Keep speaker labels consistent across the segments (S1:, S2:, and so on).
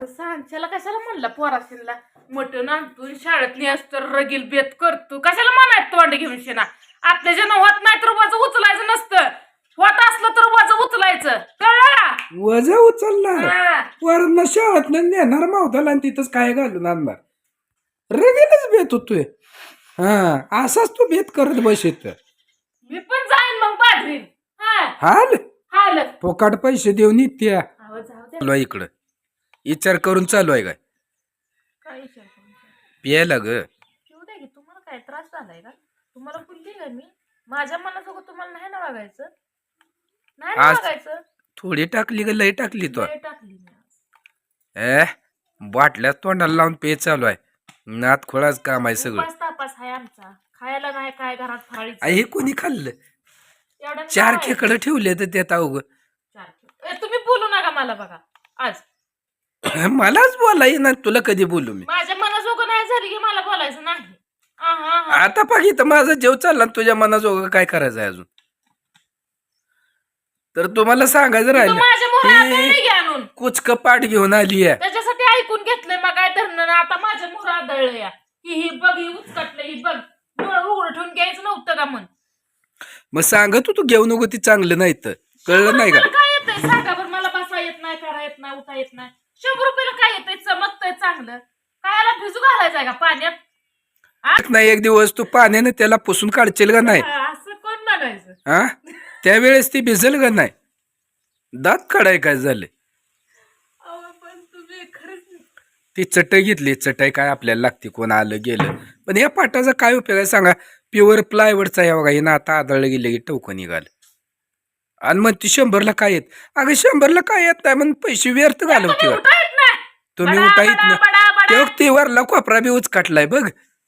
S1: सांच्याला कशाला म्हणला पोराशीला मटण आणतो शाळेतली असतं रगील बेत करतो कशाला म्हणायचं तोंड घेऊन शेना आपल्या जण होत नाही तर वज उचलायचं नसतं होत असलं तर वज उचलायचं कळलं
S2: वज उचलणार वरण शाळेत नेणार मावताला आणि तिथंच काय घालून आणणार रगेलच बेत होतोय. हा असाच तू बेत करत बसेत
S1: मी पण जाईन मग बाजरीन
S2: हाल
S1: हाल
S2: फोकाट पैसे देऊन इत्या
S1: जाऊ दे
S2: चालू आहे इकडं विचार करून चालू आहे काय
S1: काय विचार करून
S2: प्यायला ग
S1: ठेवू दे की तुम्हाला काय त्रास झालाय का तुम्हाला बोलली का मी माझ्या मनासोबत तुम्हाला नाही ना वागायचं नाही ना
S2: आज
S1: वागायचं
S2: थोडी टाकली ग लय टाकली तो
S1: लय टाकली मी
S2: बाटल्यात तोंडाला लावून पे चालू आहे नात खोळाच काम आहे सगळं.
S1: उपास तापास आहे आमचा खायला नाही काय घरात फराळी
S2: हे कोणी खाल्लं
S1: एवढं
S2: 4 खेकडं ठेवले तर त्यात अवघ
S1: तुम्ही बोलू नका मला बघा आज
S2: मलाच बोला ना तुला कधी बोलू मी
S1: माझ्या मनाजोगं नाही झाली की मला बोलायचं नाही
S2: आता पाहिजे तर माझा जेव चालला तुझ्या मनाजोगं काय करायचं आहे अजून तर तुम्हाला सांगायचं
S1: माझ्या मोहरा
S2: राहिलं
S1: आणून
S2: कुचक पाठ घेऊन आली आहे
S1: त्याच्यासाठी ऐकून घेतलंय मग काय धरणं आता माझ्या मोहरा आदळलं या की ही बघ ही उचकटलं ही बघ डोळं उघडं ठेवून घ्यायचं नव्हतं का म्हण
S2: मग सांगत तू घेऊ नको ती चांगलं नाही तर कळलं नाही का
S1: काय येतंय सांगा बरं मला बसा येत नाही करा येत नाही उठा येत नाही 100 रुपयाला काय येतंय चमकतंय चांगलं कायला भिजू घालायचंय का पाण्यात
S2: नाही एक दिवस तू पाण्याने त्याला पुसून काढशील का नाही
S1: असं कोण म्हणायचं
S2: हा त्यावेळेस ती भिजल का नाही दात काढाय काय झाले
S1: पण तुम्ही खरंच
S2: ती चटई घेतली चटई काय आपल्याला लागते कोण आलं गेलं पण या पाटाचा काय उपयोग आहे सांगा प्युअर प्लायवडचा या बघा हे ना आता आदळलं गेलं की टवकं निघाल आणि मग ती 100ला काय येत अगं 100ला काय येत नाही म्हणून पैसे व्यर्थ घालवते तुम्ही उठा येत ना ते वरला कोपरा बी उचकाटलाय बघ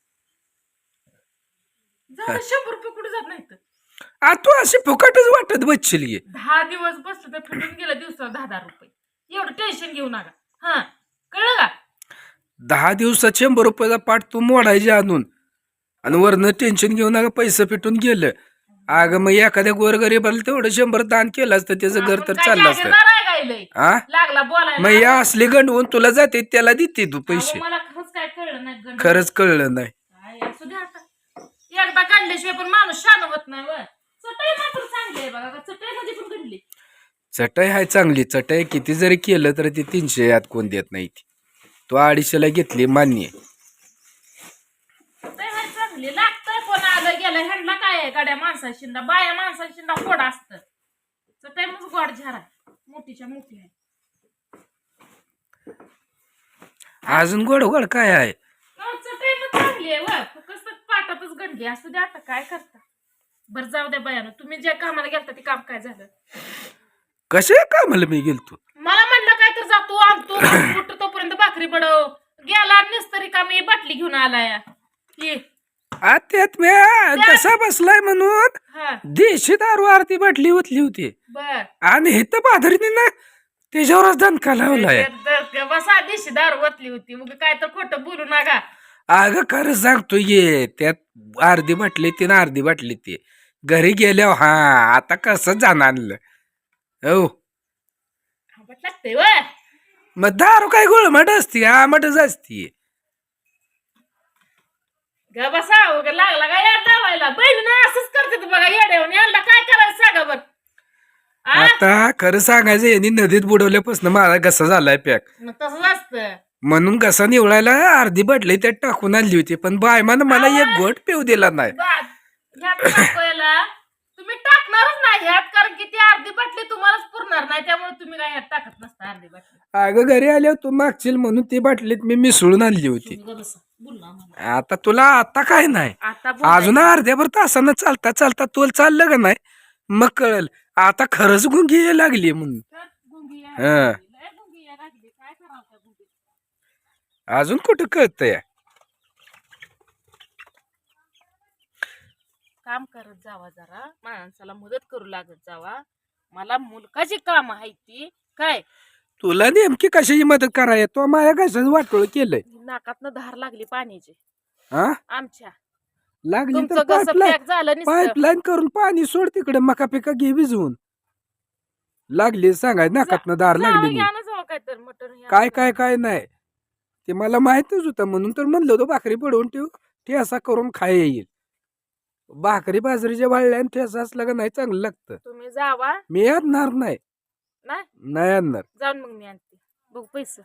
S1: 100 रुपये कुठे जात नाही
S2: तू असे फुकटच वाटत बसशील गे
S1: 10 दिवस बसलं तर फिटून गेलं दिवसाला 10 रुपये एवढं टेन्शन घेऊ नका कळलं का
S2: 10 दिवसात 100 रुपयाचा पाठ तू मोडायचे आणून आणि वरनं टेन्शन घेऊ नका पैसे पिटून गेलं अगं मग एखाद्या गोरगरीबाला तेवढं 100 दान केलं असतं त्याचं घर तर चाललं असतं
S1: लागला बोलायला
S2: मग या असले गंडवून तुला जाते त्याला देते तू पैसे
S1: मला खरंच काय कळलं नाही
S2: खरंच कळलं नाही
S1: काय असू दे आता एकदा काढल्याशिवाय पण माणूस शान होत नाही व चटई मात्र चांगली आहे बघा चटई मध्ये पण घडली
S2: चटई हाय चांगली चटई किती जरी केलं तर ती 300 यात कोण देत नाही ती तू 250ला घेतली मान्य
S1: चटई हाय चांगली लागतंय कोण आलं गेलं ह्यांना काय आहे गाड्या माणसाशिंदा बाया माणसाशिंदा फोड असतं चटई मग गोड झारा मोठीच्या मोठी आहे
S2: अजून गोड गोड काय आहे
S1: चटई पण चांगली आहे व फक्त पाटातच गंडली असू दे आता काय करता बरं जाऊ द्या बायानं तुम्ही ज्या कामाला गेलता ते काम काय झालं
S2: कशा कामाला मी गेलतो
S1: मला म्हणलं काय तर जातो आणतो कुठं तोपर्यंत भाकरी बडव गेला निस्तरी का मी बाटली घेऊन आलाय
S2: त्यात मी कसा बसलाय म्हणून देशी दारू आरती बाटली ओतली होती
S1: बर
S2: आणि हे तर बाधरीने ना त्याच्यावरच दणका लावलाय
S1: बसा दिशी दारू ओतली होती मग काय तर खोटं बोलू नका
S2: अगं खरं सांगतो ये त्यात अर्धी बाटली ती ना अर्धी बाटली ती घरी गेल्यावर आता कसं जाणं आणलं हो
S1: लागतंय व
S2: मग दारू काय गोळमट असती आमटच असती
S1: ग बसा लागला का याड दावायला बहिणी असंच करते बघा येड्यावर यांना काय करायचं सांगा बर
S2: आता खरं सांगायचं यांनी नदीत बुडवल्यापासून माझा घसा झालाय पॅक
S1: तसंच असतं
S2: म्हणून घसा निवडायला अर्धी बाटली त्यात टाकून आणली होती पण बायमानं मला एक घोट पिऊ दिला नाही
S1: तुम्ही टाकणारच नाही ह्यात कारण की ती अर्धी बाटली तुम्हालाच पुरणार नाही त्यामुळे तुम्ही काय ह्यात टाकत नसता अर्धी बाटली
S2: अगं घरी आल्यावर तू मागशील म्हणून ती बाटलीत मी मिसळून आणली होती आता तुला आता काय नाही अजून अर्ध्याभर तासानं चालता चालता तोल चाललं का नाही मग कळल आता खरंच गुंगी यायला लागली म्हणून अजून कुठं कळतंय
S1: काम करत जावा जरा माणसाला मदत करू लागत जावा मला मुलकाची काम आहे ती काय
S2: तुला नेमकी कशाची मदत कराय तो माझ्या कशाच वाटोळ केलंय
S1: नाकातनं धार लागली पाण्याची आमच्या
S2: लागली तर पाईपलाईन करून पाणी सोड तिकडे मका पिका घे भिजवून लागली सांगाय नाकातनं धार लागली
S1: काय तर मटण
S2: काय काय काय नाही ते मला माहितच होतं म्हणून तर म्हणलं होतं भाकरी पडवून ठेव ठेसा करून खाय येईल. भाकरी बाजरीच्या वाळल्या आणि ठेसा असला का नाही चांगलं लागतं.
S1: तुम्ही जावा.
S2: मी आणणार नाही.
S1: नाही
S2: नाही आणणार.
S1: जाऊन मग मी आणते. बघ पैसे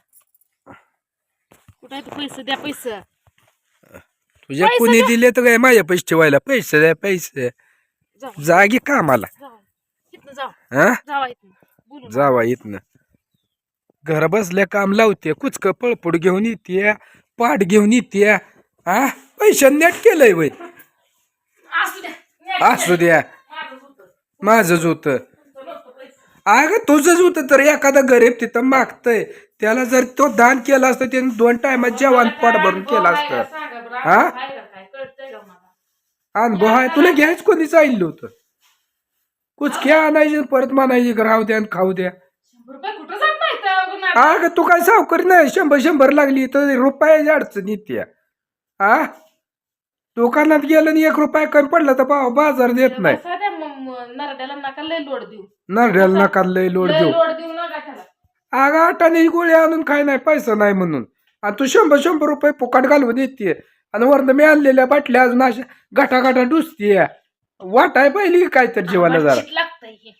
S1: कुठे आहे? पैसे द्या पैसे.
S2: तुझ्या
S1: पैसे
S2: कुणी
S1: द्या.
S2: दिले तर काय माझ्या पैसे ठेवायला पैसे द्या पैसे
S1: जावा
S2: जागी कामाला
S1: जावा इथनं जावा.
S2: हा
S1: जावा इथनं बोलू.
S2: जावा इथनं घर बसल्या काम लावते कुचक पळपुड घेऊन येते पाठ घेऊन येते हा पैसे नेट केलंय वय
S1: असू द्या.
S2: असू द्या
S1: माझंच होतं.
S2: माझंच होतं.
S1: तुमचं नव्हतं पैसे.
S2: अगं तुझंच होतं तर एखादा गरीब तिथं मागतय त्याला जर तो दान केला असतं त्याने 2 टायमात जेवण पोट भरून केलं असतं.
S1: सांगा बरं,
S2: हा?
S1: काय काय कळतंय का मला?
S2: अनुभव आहे तुला घ्यायच कोणी चाललं होतं कुचकी आणायची परत म्हणायची राहू द्या आणि खाऊ द्या.
S1: 100 रुपये कुठं जात नाही तर गुन्हा.
S2: अगं तू काय सावकारी नाही 100 लागली तर रुपयाची अडचण येते हा दुकानात गेलं आणि 1 रुपया कमी पडला तर बाजार देत नाही.
S1: बसा द्या मग नरड्याला नका लय लोड देऊ.
S2: नरड्याला नका लय लोड
S1: लय
S2: देऊ.
S1: लोड देऊ नका त्याला.
S2: अगं आटाने गोळी आणून काय नाही पैसा नाही म्हणून आणि तू 100 रुपये फुकाट घालवून येते आणि वरनं मी आणलेल्या बाटल्या अजून अशा गाठा डुसतीये वाटाय पहिली काय तर जीवाला जरा
S1: चिट लागतंय हे.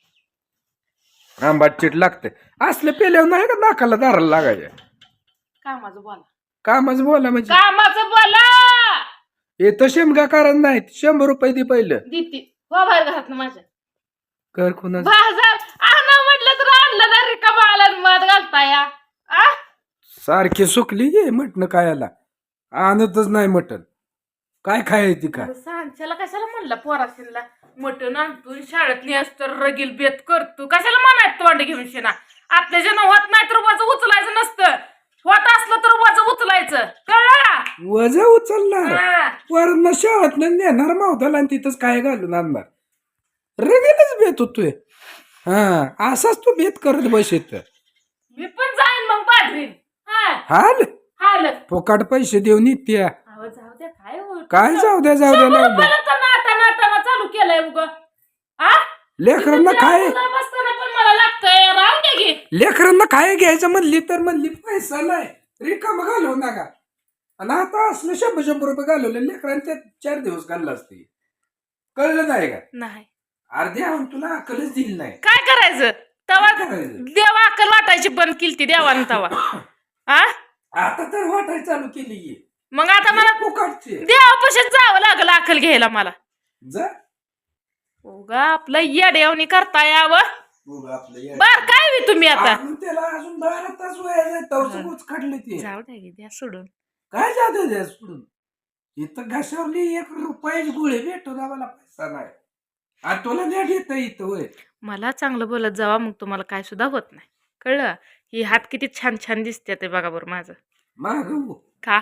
S2: आंबाट चिट लागते असले पेल्यावर नाही का नाकाला दाराला लागायच्या
S1: कामाचं बोला.
S2: कामच बोला म्हणजे
S1: कामाचं बोला.
S2: येतं शेमगा कारण नाही 100 रुपये दे पहिलं
S1: दीप्ती हो बाहेर घरात माझ्या
S2: कर कुणा
S1: बाजार आणा म्हटलं तर आणलं ना रिकामा आला मध घालता या. आ?
S2: सारखी सुकली गे म्हटणं कायाला आणतच नाही मटण काय खायची का
S1: सांच्याला कशाला म्हणला पोराशीला मटण आणतो शाळेत नेस तर रगील बेत करतो कशाला म्हणायचं तोंड घेऊन शेना. आपल्या जण होत नाही तर वज उचलायचं नसतं होत असलं तर वज उचलायचं कळलं का?
S2: वजा उचलणार
S1: हा.
S2: वरण शाळेत नेणार मावताला आणि तिथंच काय घालून आणणार रगेलच बेत होतोय हा असाच तू बेत करत बसेत
S1: मी पण जाईन मग बाजरीन. हा
S2: हाल
S1: हाल
S2: फुकाट पैसे देऊन येत्या
S1: अहो जाऊ द्या काय होईल.
S2: काय जाऊ द्या
S1: 100
S2: लावलं
S1: रुपयाला तर नाटा चालू केलंय उग. आ?
S2: लेकरांना काय
S1: तुला बसताना पण मला लागतंय राहून दे की.
S2: लेकरांना काय घ्यायचं म्हणली तर म्हणली पैसा नाही रिकाम घालवू नका आणि आता असलं 100 रुपये घालवले लेकरांनी ते 4 दिवस घाललं असते कळलं नाही का
S1: नाही
S2: अर्धे आणून तुला अकलच दिली नाही
S1: काय करायचं तवा
S2: काय करायचं?
S1: देवा अक्कल वाटायची बंद केली देवानं तवा. आ
S2: आता तर वाटाय चालू केली
S1: मग आता मला
S2: फुकाटचे
S1: देवापाशीच जावं लागलं अक्कल घ्यायला मला.
S2: जा
S1: उगा आपलं येड्यावणी करता यावं.
S2: बघ आपलं येडं.
S1: बर काय बी तुम्ही आता
S2: अजून त्याला अजून 12 तास वयाचं तवच खडले ते
S1: जाऊ द्या की द्या सोडून.
S2: काय जातं द्या सोडून इथं घशावली 1 रुपयाची गोळी भेटून आम्हाला पैसा नाही आणि तुला नेट येतं इथं होय
S1: मला चांगलं बोलत जावा मग तुम्हाला काय सुद्धा होत नाही कळलं. ही हात किती छान छान दिसते ते बघा बरं माझं.
S2: माग
S1: का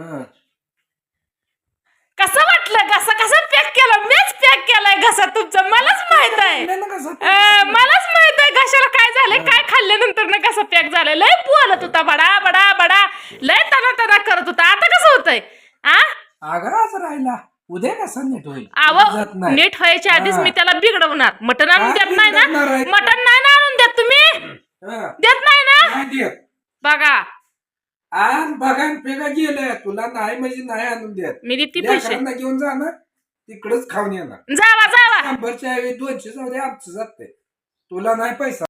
S1: कसं वाटलं घसा कसा पॅक केला मीच पॅक केलाय घसा तुमचा मलाच माहित आहे. मलाच माहित आहे घशाला काय झालंय काय खाल्ल्यानंतर ना कसं पॅक झालंय. लय बोलत होता बडा बडा बडा लय तना करत होता आता कसं होतंय. आ
S2: आगाच राहिला उद्या कसा नीट होईल
S1: आव
S2: जात नाही.
S1: नीट व्हायच्या आधीच
S2: हा.
S1: मी त्याला बिघडवणार. मटण आणून
S2: काय
S1: देत नाही ना
S2: बिघडवणार आहे?
S1: मटण नाही ना आणून देत तुम्ही
S2: हा.
S1: देत नाही ना
S2: नाही देत.
S1: बघा
S2: आण बघान पेगा गेलं तुला नाही म्हणजे नाही आणून देत
S1: मी देते पैसे
S2: लेकरांना घेऊन जाणार तिकडच खाऊन येणार
S1: जावा जावा
S2: 100च्या ऐवजी 200 जाऊ दे आमचं जाते तुला नाही पैसा